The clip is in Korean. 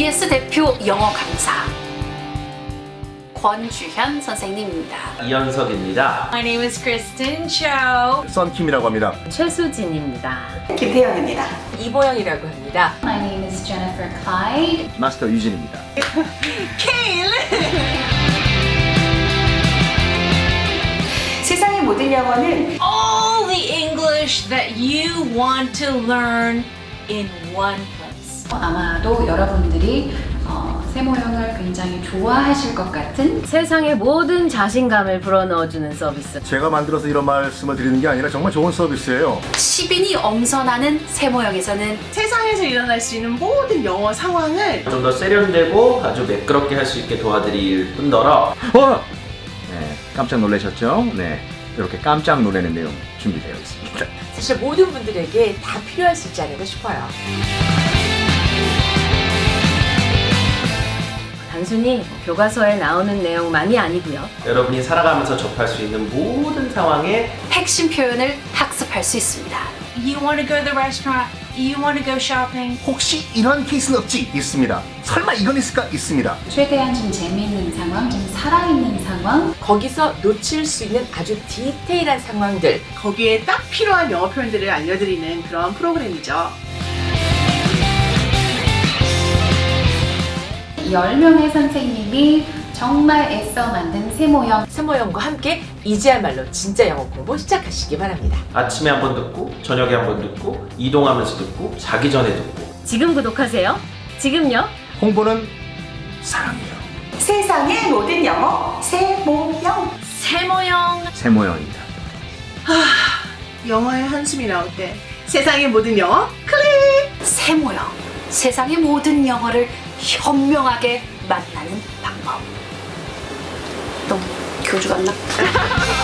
KBS 대표 영어 강사 권주현 선생님입니다. 이현석입니다. My name is Kristen Cho. 썬킴이라고 합니다. 최수진입니다. 김태영입니다. 이보영이라고 합니다. My name is Jennifer Clyde. 마스터 유진입니다. 세상의 모든 영어는 All the English that you want to learn in one place. 아마도 여러분들이 세모형을 굉장히 좋아하실 것 같은 세상의 모든 자신감을 불어넣어주는 서비스. 제가 만들어서 이런 말씀을 드리는 게 아니라 정말 좋은 서비스예요. 10인이 엄선하는 세모형에서는 세상에서 일어날 수 있는 모든 영어 상황을 좀 더 세련되고 아주 매끄럽게 할 수 있게 도와드릴 뿐더러 네, 깜짝 놀라셨죠? 네, 이렇게 깜짝 놀라는 내용 준비되어 있습니다. 사실 모든 분들에게 다 필요할 수 있지 않을까 싶어요. 단순히 교과서에 나오는 내용만이 아니고요. 여러분이 살아가면서 접할 수 있는 모든 상황에 핵심 표현을 학습할 수 있습니다. You want to go to the restaurant? You want to go shopping? 혹시 이런 케이스는 없지? 있습니다. 설마 이건 있을까? 있습니다. 최대한 좀 재미있는 상황, 좀 살아있는 상황, 거기서 놓칠 수 있는 아주 디테일한 상황들. 거기에 딱 필요한 영어 표현들을 알려드리는 그런 프로그램이죠. 10명의 선생님이 정말 애써 만든 세모형. 세모형과 함께 이제야말로 진짜 영어 공부 시작하시기 바랍니다. 아침에 한번 듣고 저녁에 한번 듣고 이동하면서 듣고 자기 전에 듣고 지금 구독하세요. 지금요. 홍보는 사랑이에요. 세상의 모든 영어 세모형. 세모형. 세모형입니다. 영어의 한숨이 나올 때 세상의 모든 영어 클릭! 세모형. 세상의 모든 영어를 현명하게 만나는 방법. 너무 교주 같나?